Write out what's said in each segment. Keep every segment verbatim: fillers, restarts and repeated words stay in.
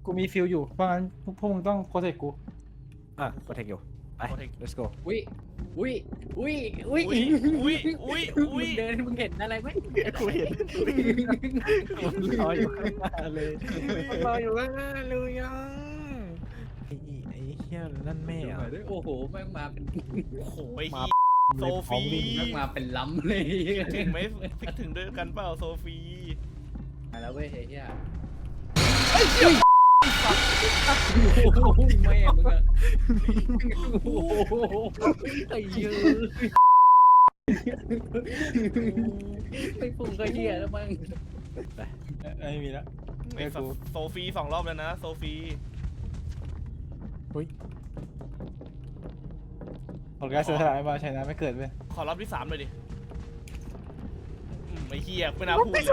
กูมีฟิลอยู่เพราะงั้นพวกพวกมึงต้องโปรเทคกูอ่ะโปรเทคอยู่ไป Protect let's go อุ้ยอุ้ยอุ้ยอุ้ยอุ้ยอุ้ยอุ้ยอุ้มึยงเดินมึงเห็นอะไรไหมกูเห็นรออยู่ข้างหน้าเลยรออยู่ข้างหน้าเลยอ่ะไอ้ไอ้เหี้ยนั่นแม่อ่ะโอ้โหแม่งมาเป็นโอ้โหไอ้มาเหี้ยโซฟีแม่งมาเป็นล้ำเลยถึงไหมฟิกถึงด้วยกันเปล่าโซฟีมาแล้วเว้ยเฮียไอ้เหี้ยแม่มึงอะโอ้โหไอ้เหี้ยไปปรุงก็เฮียแล้วมั้งไม่มีแล้วไอ้โซโซฟีสองรอบแล้วนะโซฟีผลการเสียสละมาชนะไม่เกิดเว้ยขอรอบที่สามเลยดิอืมไอ้เหี้ยไม่น่าพูดเลย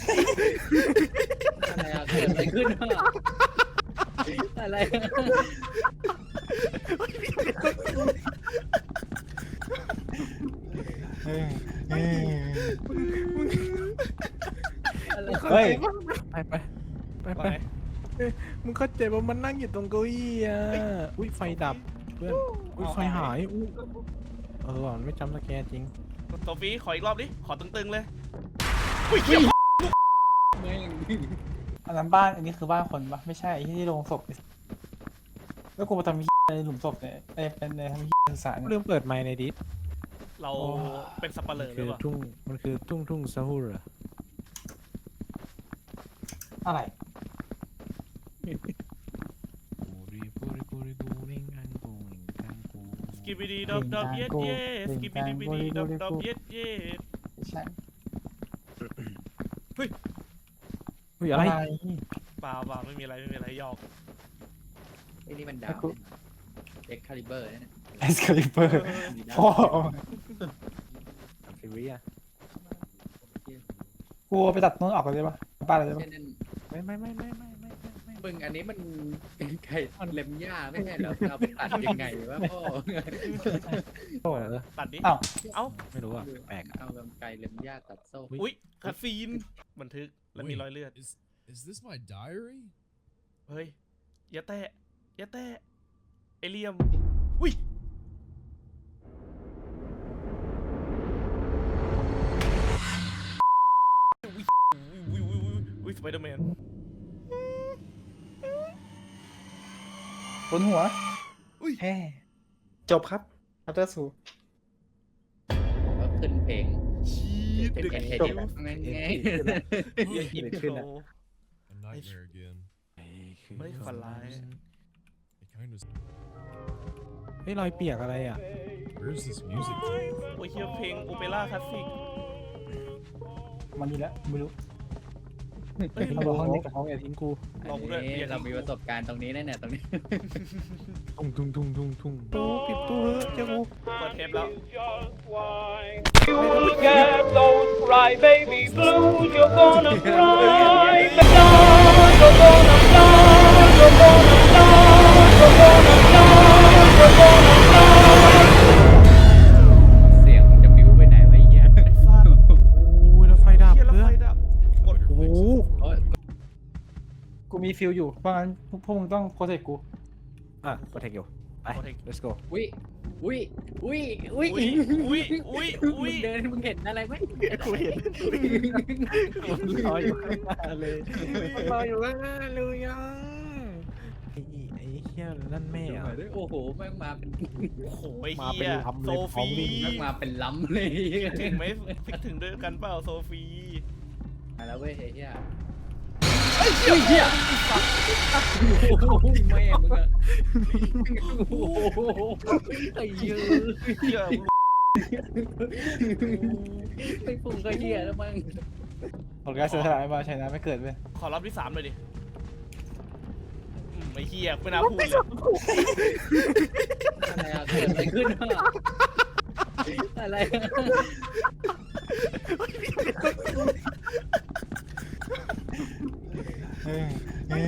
อะไรอะเกิดอะไรขึ้นวะอะไรอะเฮ้ยเฮ้ยอะไรเฮ้ยไปไปไปไปไปมึงเข้าใจว่ามันนั่งอยู่ตรงเก้าอี้อ่ะอุ้ยไฟดับเพื่อนอุ้ยไฟหายอู้เออว่ะมันไม่จำสแกนจริงโซฟีขออีกรอบดิขอตึงๆเลยอุ้ยเหี้ยแม่งอันนั้นบ้านอันนี้คือบ้านคนปะไม่ใช่ไอ้ที่โรงศพแล้วกูมาทำที่ในหลุมศพเนี่ยไอ้เป็นในทำที่สื่อสารเริ่มเปิดไมค์ในดิสเราเป็นสับปะเลอหรืคือ อเปล่าทุ่งมันคือทุ่งทุ่งซาฮูร์อะไรสกิบิดีดอบดอบเย็ดเย็ดสกิบิดีบิดีดอบดอบเย็ดเย็ดไม่ใช่อุ้ยอะไรเปล่าเปล่าไม่มีอะไรไม่มีอะไรหยอกไอ้นี่มันดาวเอ็กคาลิเบอร์เนี่ยเอสคาลิเปอร์พ่อฟิวิอ่ะกูไปตัดต้นออกเลยปะบ้านเลยปะนั่นไม่ไม่ไม่ไม่ไม่ไม่ไม่ไม่มึงอันนี้มันไก่เล็มหญ้าไม่ใช่เหรอเราไปตัดยังไงวะพ่อโอ้เออตัดดิอ้าวเอ้าไม่รู้อ่ะแปลกเอาไก่เล็มหญ้าตัดโซ่อุ้ยคาซีนบันทึกแล้วมีรอยเลือด Is is this my diary? เฮ้ยอย่าแตะอย่าแตะเอเลียมอุ้ยอุ้ยอุ้ยอุ้ยอุ้ยสไปเดอร์แมนบนหัวอุ้ยแฮ่จบครับอัปเตอร์สูก็ขึ้นเพลงชีดเป็นเด็กเพลงเขีเทยวปงั้นไงอินโทร A nightmare again. ไม่ฝันร้าย It kind of. เฮ้ยรอยเปียกอะไรอ่ะ Where's this music? โอ้ยเฮียเพลงโอเปร่าคลาสสิกมันนี่แหละไม่รู้เฮ้ยเขาบอกห้องนี้กับห้องอย่าทิ้งกูลองด้วยนี่เรามีประสบการณ์ตรงนี้แน่ๆตรงนี้ทุ่งทุ่งทุ่งทุ่งทุ่งตู้ปิดตู้เฮ้ยเจ้ากูเปิดเทปแล้ว You get those crybaby blues, you're gonna cry. You're gonna cry, you're gonna cry, you're gonna cry, you're gonna cry. เสียงมันจะบิ้วไปไหนวะไอ้เหี้ยไอ้สัสโอ้ยแล้วไฟดับเฮียแล้วเพื่อไฟนดับกดโอ้โหโอ้ยกูมีฟิลอยู่เพราะงั้นพวกพวกมึงต้องโปรเทคกูอ่ะโปรเทคอยู่ไป let's go อุ้ยอุ้ยอุ้ยอุ้ยอุ้ยอุ้ยอุ้ยอุ้มึยงเดินมึงเห็นอะไรไหมกูเห็นรออยู่ข้างหน้าเลยรออยู่ข้างหน้าเลยอ่ะไอ้ไอ้เหี้ยนั่นแม่อ่ะโอ้โหแม่งมาเป็นโอ้โหไอ้มาเฮีเป็นยลำโซเลยพร้อฟีมวิ่งแม่งมาเป็นล้ำเลยถึงไหมฟิกถึงด้วยกันเปล่าโซฟีมาแล้วเว้ยไอ้เหี้ยไอ้เหี้ยเหี้ยแม่มึงอะโอ้โหไอ้เหี้ยเหี้ยไปปรุงก็เหี้ยแล้วมั้งผลการเสียสละมาชนะไม่เกิดเว้ยขอรอบที่สามเลยดิอืมไอ้เหี้ยไม่น่าพูดเลยอะไรอะเกิดอะไรขึ้นวะอะไรอะเฮ้ยเฮ้ย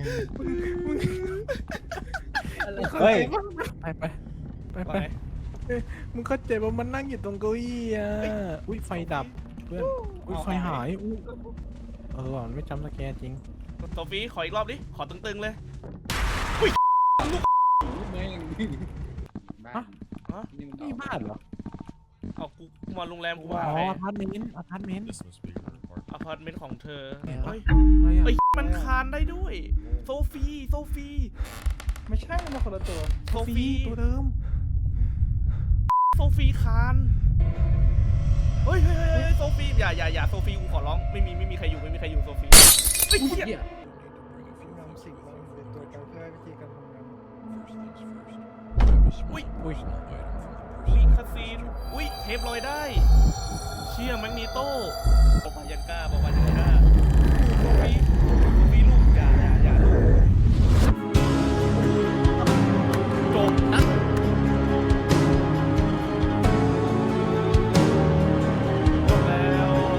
อะไรเฮ้ยไปไปไปไปไปมึงเข้าใจว่ามันนั่งอยู่ตรงเก้าอี้อ่ะอุ้ยไฟดับเพื่อนอุ้ยไฟหายอู้เออว่ะมันไม่จำสแกนจริงโโซฟีขออีกรอบดิ ขอตึงๆเลยแม่งบ้านฮะนี่มันนี่บ้านเหรอเอากูมาโรงแรมกูอ๋มาอไงอพาร์ตเมนต์อพาร์ตเมนต์ This must be her apartment. อพาร์ตเมนต์ของเธอเนี่ยเฮ้ยอะไรอ่ะเอ้ยมันคานได้ด้วย โซฟีโซฟีไม่ใช่มันคนละตัวโซฟีตัวเดิมโซฟีคานเฮ้ยเฮ้ยเฮ้ยเฮ้ยโซฟีอย่าอย่าอย่าโซฟีกูขอร้องไม่มีไม่มีใครอยู่ไม่มีใครอยู่โซฟีเฮ้ยอุ๊ยเหี้ยเหี้ยนำสิ่งเราเป็นตัวการเพื่อวิธีการทำงาน First things first. Grab a small Wait, personal item from the อุ้ย person. คาซีนอุ้ยเทปลอยได้ เชี่ยแมกนีโต้ออกมายันใกล้